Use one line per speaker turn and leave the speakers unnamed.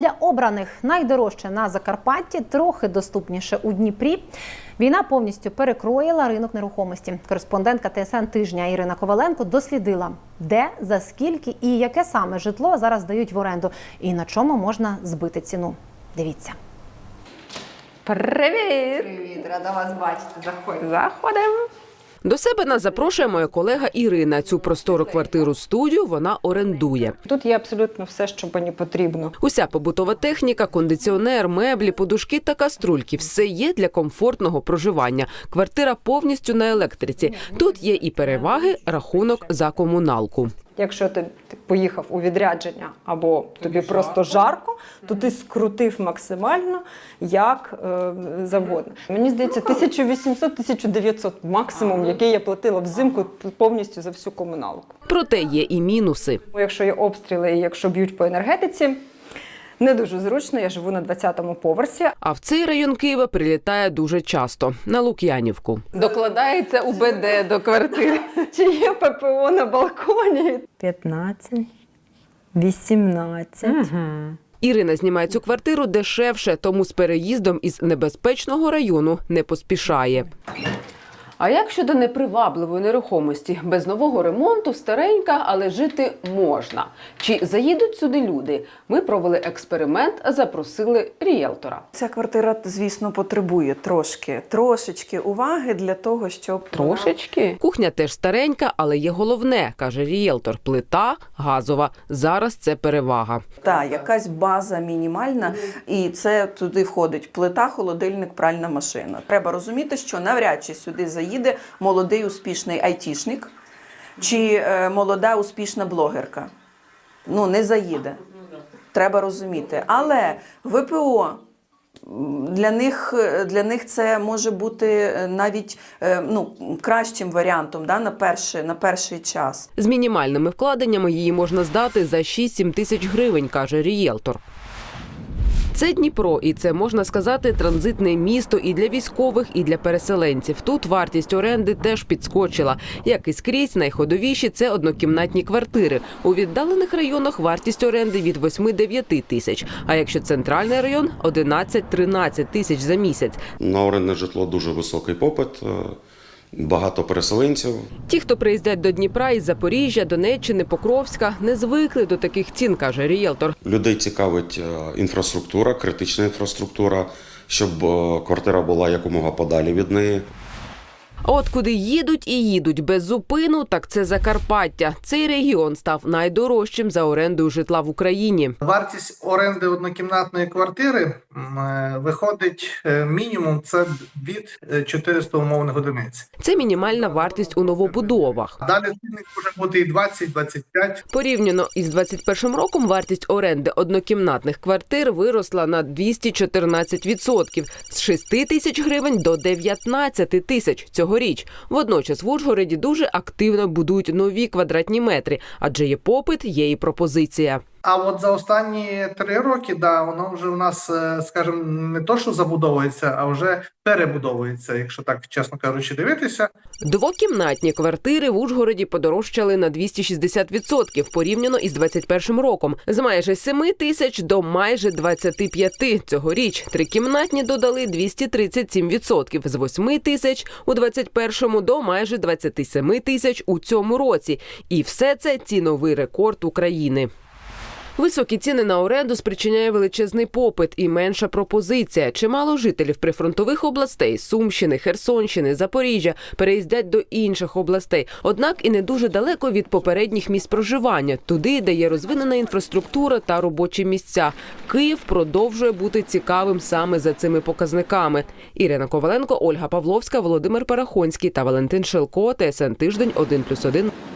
Для обраних найдорожче на Закарпатті, трохи доступніше у Дніпрі. Війна повністю перекроїла ринок нерухомості. Кореспондентка ТСН «Тижня» Ірина Коваленко дослідила, де, за скільки і яке саме житло зараз дають в оренду. І на чому можна збити ціну. Дивіться.
Привіт!
Привіт, рада вас бачити. Заходьте.
Заходимо. До себе нас запрошує моя колега Ірина. Цю простору квартиру-студію вона орендує.
Тут є абсолютно все, що мені потрібно.
Уся побутова техніка, кондиціонер, меблі, подушки та каструльки – все є для комфортного проживання. Квартира повністю на електриці. Тут є і переваги, рахунок за комуналку.
Якщо ти поїхав у відрядження або тобі просто жарко, то ти скрутив максимально, як завгодно. Мені здається, 1800-1900 максимум, який я платила взимку повністю за всю комуналку.
Проте є і мінуси.
Якщо є обстріли і якщо б'ють по енергетиці, не дуже зручно, я живу на 20-му поверсі.
А в цей район Києва прилітає дуже часто – на Лук'янівку. Докладається УБД до квартири.
Чи є ППО на балконі? 15, 18.
Ірина знімає цю квартиру дешевше, тому з переїздом із небезпечного району не поспішає. А як щодо непривабливої нерухомості? Без нового ремонту, старенька, але жити можна. Чи заїдуть сюди люди? Ми провели експеримент, запросили ріелтора.
Ця квартира, звісно, потребує трошечки уваги для того, щоб...
Трошечки? Кухня теж старенька, але є головне, каже ріелтор. Плита газова. Зараз це перевага.
Так, якась база мінімальна, і це туди входить плита, холодильник, пральна машина. Треба розуміти, що навряд чи сюди заїде молодий успішний айтішник чи молода успішна блогерка. Ну, не заїде. Треба розуміти. Але ВПО для них це може бути навіть кращим варіантом, да, на перший час.
З мінімальними вкладеннями її можна здати за 6-7 тисяч гривень, каже ріелтор. Це Дніпро, і це, можна сказати, транзитне місто і для військових, і для переселенців. Тут вартість оренди теж підскочила. Як і скрізь, найходовіші – це однокімнатні квартири. У віддалених районах вартість оренди від 8-9 тисяч. А якщо центральний район – 11-13 тисяч за місяць.
На орендне житло дуже високий попит. Багато переселенців.
Ті, хто приїздять до Дніпра із Запоріжжя, Донеччини, Покровська, не звикли до таких цін, каже ріелтор.
Людей цікавить інфраструктура, критична інфраструктура, щоб квартира була якомога подалі від неї.
А от куди їдуть і їдуть без зупину, так це Закарпаття. Цей регіон став найдорожчим за орендою житла в Україні.
Вартість оренди однокімнатної квартири виходить мінімум це від 400 умовних одиниць.
Це мінімальна вартість у новобудовах.
Далі цінник може бути і 20-25.
Порівняно із 2021 роком вартість оренди однокімнатних квартир виросла на 214% – з 6 тисяч гривень до 19 тисяч цьогоріч. Водночас в Ужгороді дуже активно будують нові квадратні метри, адже є попит, є і пропозиція.
А от за останні 3 роки, воно вже у нас, скажімо, не то, що забудовується, а вже перебудовується, якщо так, чесно кажучи, дивитися.
Двокімнатні квартири в Ужгороді подорожчали на 260% порівняно із 2021 роком. З майже 7 тисяч до майже 25 цьогоріч. Трикімнатні додали 237%. З 8 тисяч у 2021 до майже 27 тисяч у цьому році. І все це ціновий рекорд України. Високі ціни на оренду спричиняє величезний попит і менша пропозиція. Чимало жителів прифронтових областей – Сумщини, Херсонщини, Запоріжжя – переїздять до інших областей. Однак і не дуже далеко від попередніх місць проживання – туди, де є розвинена інфраструктура та робочі місця. Київ продовжує бути цікавим саме за цими показниками. Ірина Коваленко, Ольга Павловська, Володимир Парахонський та Валентин Шелко. ТСН Тиждень 1+1.